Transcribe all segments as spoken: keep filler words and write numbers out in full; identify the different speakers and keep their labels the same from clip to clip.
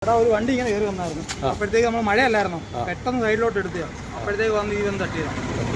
Speaker 1: അവിടെ ഒരു വണ്ടി ഇങ്ങനെ കയറി വന്നായിരുന്നു. അപ്പോഴത്തേക്ക് നമ്മൾ മഴയല്ലായിരുന്നു, പെട്ടെന്ന് സൈഡിലോട്ട് എടുത്തതാണ്. അപ്പോഴത്തേക്ക് വന്ന് ഈ വന്ന് തട്ടിയതാണ്.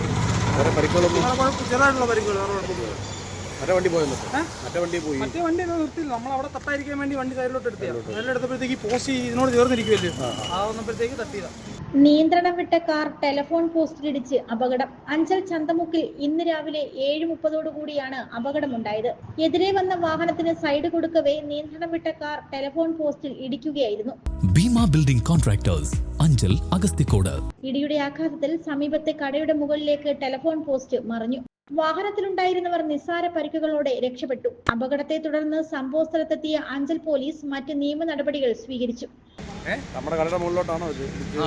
Speaker 1: ചെറുതായിട്ടുള്ള പരിക്കുകൾ, വേറെ കുഴപ്പമില്ല.
Speaker 2: മറ്റേ വണ്ടി പോയല്ലോ, മറ്റേ വണ്ടി പോയി.
Speaker 1: മറ്റേ വണ്ടി ഒന്നും നിർത്തില്ല, നമ്മൾ അവിടെ തട്ടായിരിക്കാൻ വേണ്ടി വണ്ടി സൈഡിലോട്ട് എടുത്തതാണ്. സൈഡിലെടുത്തപ്പോഴത്തേക്ക് പോസ്റ്റ് ഇതിനോട് ചേർന്നിരിക്കുമല്ലോ, ആ വന്നപ്പോഴത്തേക്ക് തട്ടിയതാണ്.
Speaker 3: നിയന്ത്രണം വിട്ട കാർ ടെലിഫോൺ പോസ്റ്റിലിടിച്ച് അപകടം. അഞ്ചൽ ചന്തമുക്കിൽ ഇന്ന് രാവിലെ ഏഴ് മുപ്പതോടുകൂടിയാണ് അപകടമുണ്ടായത്. എതിരെ വന്ന വാഹനത്തിന് സൈഡ് കൊടുക്കവേ നിയന്ത്രണം വിട്ട കാർ ടെലിഫോൺ പോസ്റ്റിൽ ഇടിക്കുകയായിരുന്നു.
Speaker 4: Bhima building contractors, Anchal Agasthikode.
Speaker 3: ഇടിയുടെ ആഘാതത്തിൽ സമീപത്തെ കടയുടെ മുകളിലേക്ക് ടെലിഫോൺ പോസ്റ്റ് മറിഞ്ഞു. വാഹനത്തിലുണ്ടായിരുന്നവർ നിസ്സാര പരിക്കുകളോടെ രക്ഷപ്പെട്ടു. അപകടത്തെ തുടർന്ന് സംഭവ സ്ഥലത്തെത്തിയ അഞ്ചൽ പോലീസ് മറ്റ് നിയമ നടപടികൾ സ്വീകരിച്ചു.
Speaker 2: നമ്മുടെ കടയുടെ മുകളിലോട്ടാണോ ഇത്?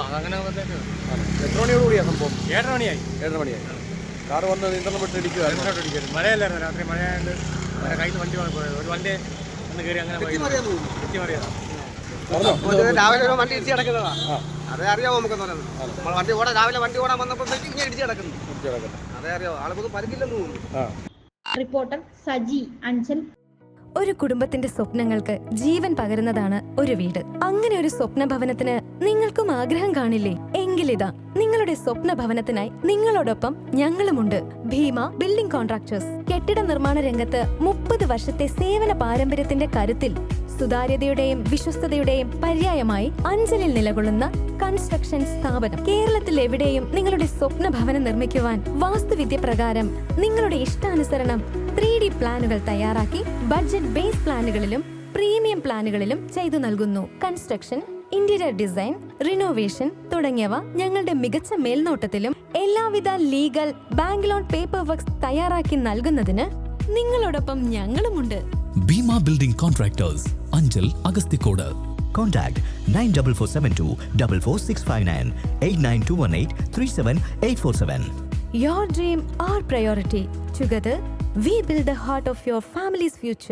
Speaker 5: എത്ര മണിയോട് കൂടിയാ സംഭവം?
Speaker 2: ഏഴര മണിയായി. ഏഴര മണിയായി. കാറ് വന്ന് നിയന്ത്രണം വിട്ട് ഇടിക്കുവായിരുന്നു.
Speaker 5: മഴയല്ലായിരുന്നു, രാത്രി മഴയായത് കയ്യിൽ നിന്ന് വണ്ടി പോയത്. ഒരു വണ്ടി ഒന്ന് കയറി അങ്ങനെ തെറ്റിമറിയാതാ.
Speaker 6: രാവിലെ ഒരു വണ്ടി ഇടിച്ച് കിടക്കുന്നതാ, അതേ അറിയാമോ നമുക്ക് പറയുന്നത്. വണ്ടി ഓടാൻ രാവിലെ വണ്ടി ഓടാൻ വന്നപ്പോഴത്തേക്ക് ഇങ്ങനെ ഇടിച്ച് കിടക്കുന്നു, അതേ അറിയാമോ. ആളുകൾക്ക് പരിക്കില്ലെന്ന് തോന്നുന്നു.
Speaker 3: റിപ്പോർട്ടർ സജി, അഞ്ചൽ.
Speaker 7: ഒരു കുടുംബത്തിന്റെ സ്വപ്നങ്ങൾക്ക് ജീവൻ പകരുന്നതാണ് ഒരു വീട്. അങ്ങനെ ഒരു സ്വപ്ന ഭവനത്തിന് നിങ്ങൾക്കും ആഗ്രഹം കാണില്ലേ? എങ്കിലിതാ നിങ്ങളുടെ സ്വപ്ന ഭവനത്തിനായി നിങ്ങളോടൊപ്പം ഞങ്ങളുമുണ്ട്. Bhima building contractors. കെട്ടിട നിർമ്മാണ രംഗത്ത് മുപ്പത് വർഷത്തെ സേവന പാരമ്പര്യത്തിന്റെ കരുത്തിൽ സുതാര്യതയുടെയും വിശ്വസ്തതയുടെയും പര്യായമായി അഞ്ചലിൽ നിലകൊള്ളുന്ന കൺസ്ട്രക്ഷൻ സ്ഥാപനം. കേരളത്തിൽ എവിടെയും നിങ്ങളുടെ സ്വപ്ന ഭവനം നിർമ്മിക്കുവാൻ വാസ്തുവിദ്യ പ്രകാരം നിങ്ങളുടെ ഇഷ്ടാനുസരണം ത്രീ ഡി പ്ലാനുകൾ തയ്യാറാക്കി ബഡ്ജറ്റ് ബേസ് പ്ലാനുകളിലും പ്രീമിയം പ്ലാനുകളിലും ചെയ്തു നൽകുന്നു. കൺസ്ട്രക്ഷൻ, ഇന്റീരിയർ ഡിസൈൻ, റിനോവേഷൻ തുടങ്ങിയവ ഞങ്ങളുടെ മികച്ച മേൽനോട്ടത്തിലും എല്ലാവിധ legal bank loan paper works തയ്യാറാക്കി നൽകുന്നതിന് നിങ്ങളോടൊപ്പം ഞങ്ങളുമുണ്ട്.
Speaker 4: Bhima building contractors, Anchal Agasthikode.
Speaker 8: Contact nine four four seven two four four six five nine eight nine two one eight three seven eight four seven.
Speaker 7: Your dream, our priority. Together, we build the heart of your family's future.